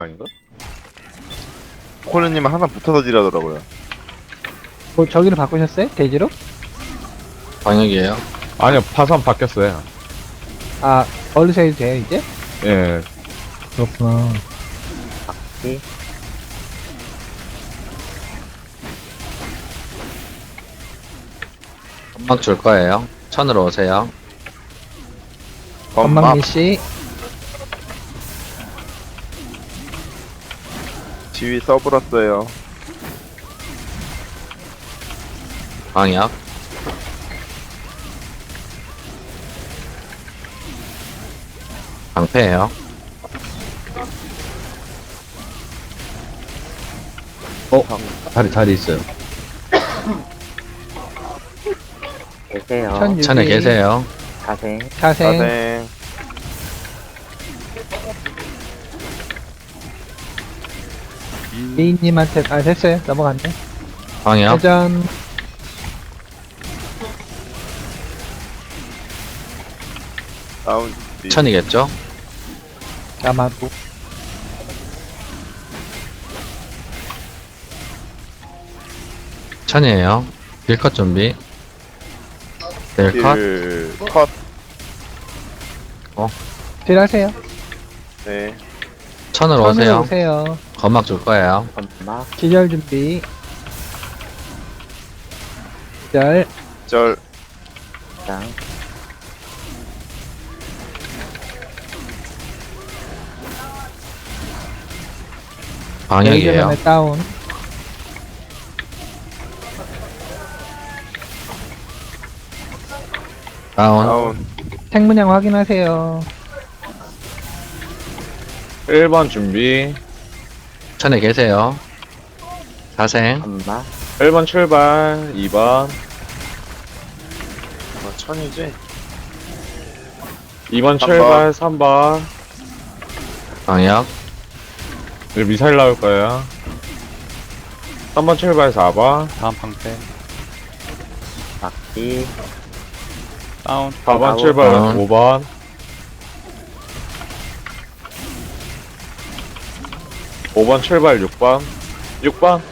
아닌가? 코코님은 항상 붙어서 딜하더라고요. 뭐 저기를 바꾸셨어요? 돼지로? 방역이에요. 아니요, 파산 바뀌었어요. 아, 얼르서 해도 돼요, 이제? 예. 그렇구나. 건막 줄 거예요. 천으로 오세요. 건막 건방미 씨. 지휘 써버렸어요. 방역. 방패예요. 자리 있어요. 계세요. 천유기. 천에 계세요. 자생. 자생. 자생. 미인님한테, 아, 됐어요. 넘어갔네. 방역. 회전. 다운. 천이겠죠? 남아도. 천이에요. 딜컷 준비. 딜컷. 컷. 딜 하세요. 네. 천으로 천으로 오세요. 오세요. 건막 줄 거예요. 건막. 기절 준비. 기절. 절. 장. 방역이에요. 레이저맨의 다운. 다운. 다운. 생문양 확인하세요. 1번 준비. 천에 계세요. 자생. 건막. 1번 출발. 2번. 천이지? 2번 출발. 3번. 방역. 이제 미사일 나올 거예요. 3번 출발. 4번. 다음 방패 막기. 다운 4번 출발. 다운. 5번. 5번 출발. 6번. 6번.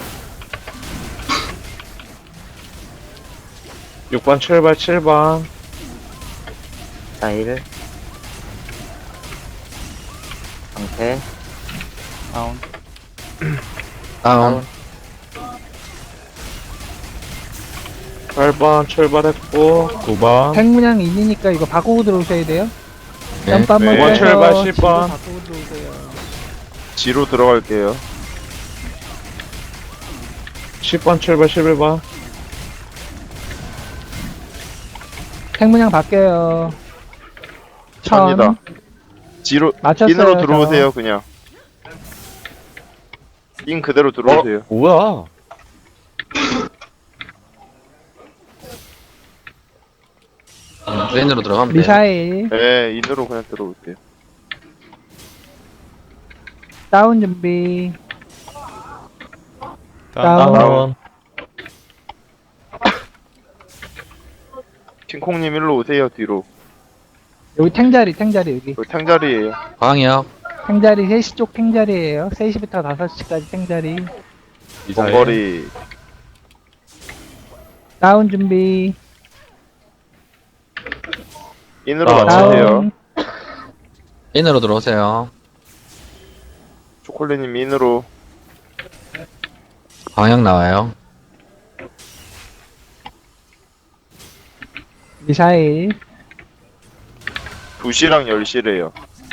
6번 출발. 7번. 자일. 방패. 다운 다운. 8번 출발했고. 9번. 생문양 인이니까 이거 바꾸고 들어오셔야 돼요. 네. 점프 한번 네. 해서 출발, 지도 10번. 바꾸고 들어오세요. 지로 들어갈게요. 10번 출발. 11번. 생문양 바뀌어요. 천. 천이다. 지로. 맞췄어요, 인으로 저. 들어오세요, 그냥. 인 그대로 들어오세요. 뭐야? 레인으로 들어가면 돼요. 미사일. 네, 인으로 그냥 들어오세요. 다운 준비. 다운 다운. 킹콩님 일로 오세요, 뒤로. 여기 탱자리 여기. 여기 탕자리에요. 방역. 탱자리 3시 쪽 탱자리에요. 3시부터 5시까지 탱자리. 원거리. 다운 준비. 인으로 다운. 맞추세요. 다운. 인으로 들어오세요. 초콜릿님 인으로. 방역 나와요. 미사일. 2시랑 10시래요.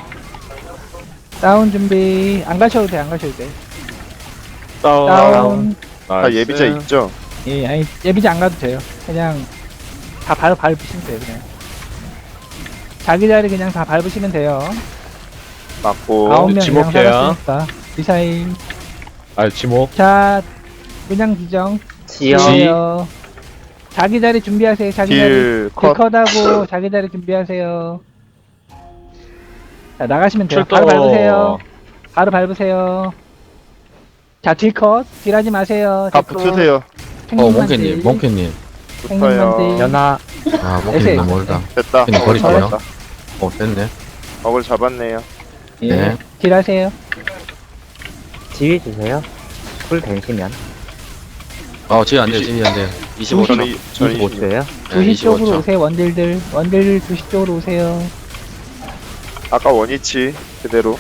다운 준비. 안 가셔도 돼. 다운. 다운. 아, 나이스. 예비자 있죠? 예, 아니 예비자 안 가도 돼요. 그냥 다 밟으시면 돼요. 그냥. 자기 자리 그냥 다 밟으시면 돼요. 맞고. 9명 이상 지목해요. 살았으니까. 미사일. 아, 지목. 자, 문양 지정. 지연. 지어요. 자기 자리 준비하세요. 자기 자리. 딜 컷. 딜컷하고 자기 자리 준비하세요. 자, 나가시면 돼요. 출동. 바로 밟으세요. 바로 밟으세요. 자, 딜컷. 딜하지 마세요. 다 딜컷. 붙으세요. 몽키님, 몽키님. 붙어요. 딜. 연하. 아, 몽키님 너무 멀다. 됐다. 그냥 버릴게요. 잡았다. 됐네. 먹을 잡았네요. 예. 네. 딜하세요. 지휘 주세요. 쿨 되시면. 지휘 안 돼요, 지휘 안 돼요. 25초. 저는 25초. 돼요? 네, 2시 쪽으로 25초. 오세요, 원딜들. 원딜 2시 쪽으로 오세요. 아까 원위치 그대로.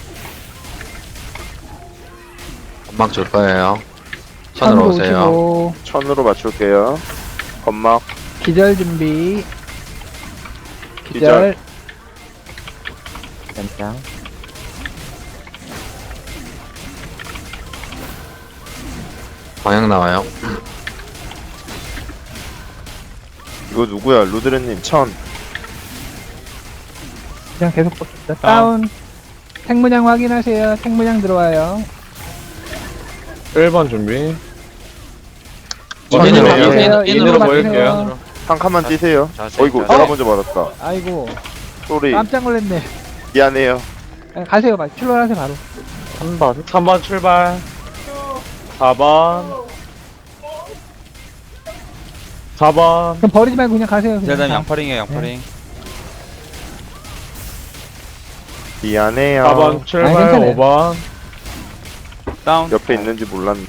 건막 줄 거예요. 천으로 오세요. 오시고, 천으로 맞출게요. 건막. 기절 준비. 기절. 연장. 방향 나와요. 이거 누구야? 루드레님 천. 그냥 계속 뽑습니다. 다운. 생문양 확인하세요. 생문양 들어와요. 1번 준비. 천으로 인으로 해요. 바꾸세요. 인으로 인으로 보일게요. 바꾸세요. 한 칸만 뛰세요. 어이구, 어? 내가 먼저 받았다. 아이고, 쏘리. 깜짝 놀랐네. 미안해요. 가세요, 출발하세요, 바로. 3번. 3번 출발. 4번. 4번. 그럼 버리지 말고 그냥 가세요. 그냥. 딜다님 양파링이에요, 양파링. 미안해요. 4번 출발. 괜찮아요. 5번. 다운. 옆에 있는지 몰랐네.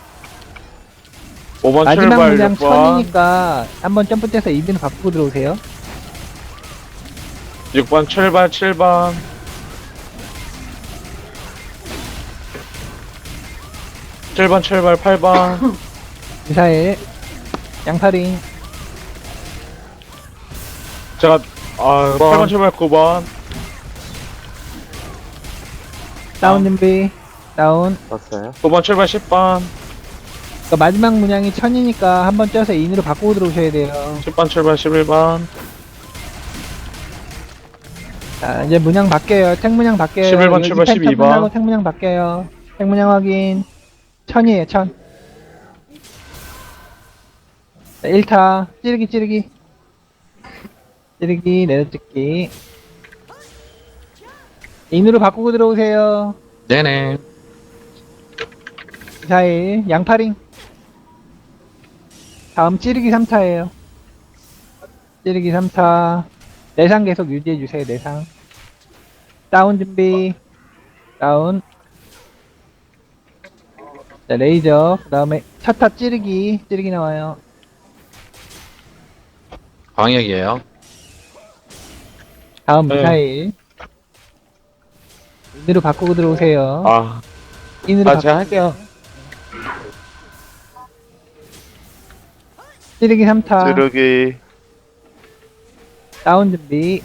5번 마지막 출발. 문양 6번. 천이니까 한번 점프 떼서 이빈 바꾸고 들어오세요. 6번 출발. 7번. 7번 출발. 8번. 미사일, 양파링, 제가 8번 출발. 9번. 다운 준비, 다운. 떴어요. 9번 출발. 10번. 그러니까 마지막 문양이 천이니까 한번 쪄서 인으로 바꾸고 들어오셔야 돼요. 10번 출발. 11번. 자, 이제 문양 바뀌어요. 택문양 바뀌어요. 11번 여기 출발, 펜타 12번. 끝나고 택문양 바뀌어요. 택문양 확인. 천이에요, 천. 자, 1타. 찌르기, 찌르기. 찌르기, 내려찍기. 인으로 바꾸고 들어오세요. 네네. 미사일, 양파링. 다음 찌르기 3타예요. 찌르기 3타. 내상 계속 유지해주세요, 내상. 다운 준비. 다운. 자, 레이저. 그 다음에 차타 찌르기. 찌르기 나와요. 광역이에요. 다음 네. 미사일. 인으로 바꾸고 들어오세요. 인으로 바꾸고. 제가 할게요. 찌르기 3타. 찌르기. 다운 준비.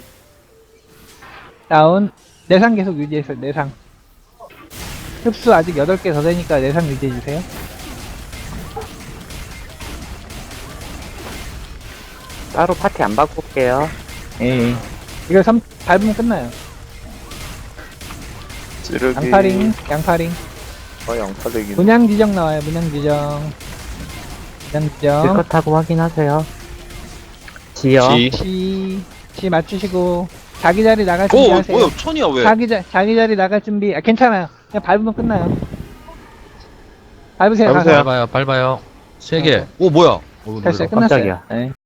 다운. 내상 계속 유지해서 내상. 흡수 아직 8개 더 되니까 내상 유지해주세요. 따로 파티 안 바꿀게요. 예. 이거 밟으면 끝나요. 찌르기. 양파링, 양파링. 양파대기. 문양 지정 나와요, 문양 지정. 문양 지정. 실컷하고 확인하세요. 지요. 시 맞추시고. 자기 자리 나갈 준비하세요. 천이야, 왜? 자기 자리 나갈 준비. 괜찮아요. 그냥 밟으면 끝나요. 밟으세요, 가서. 밟아요. 3개. 오, 뭐야? 됐어요, 끝났어요. 깜짝이야. 네.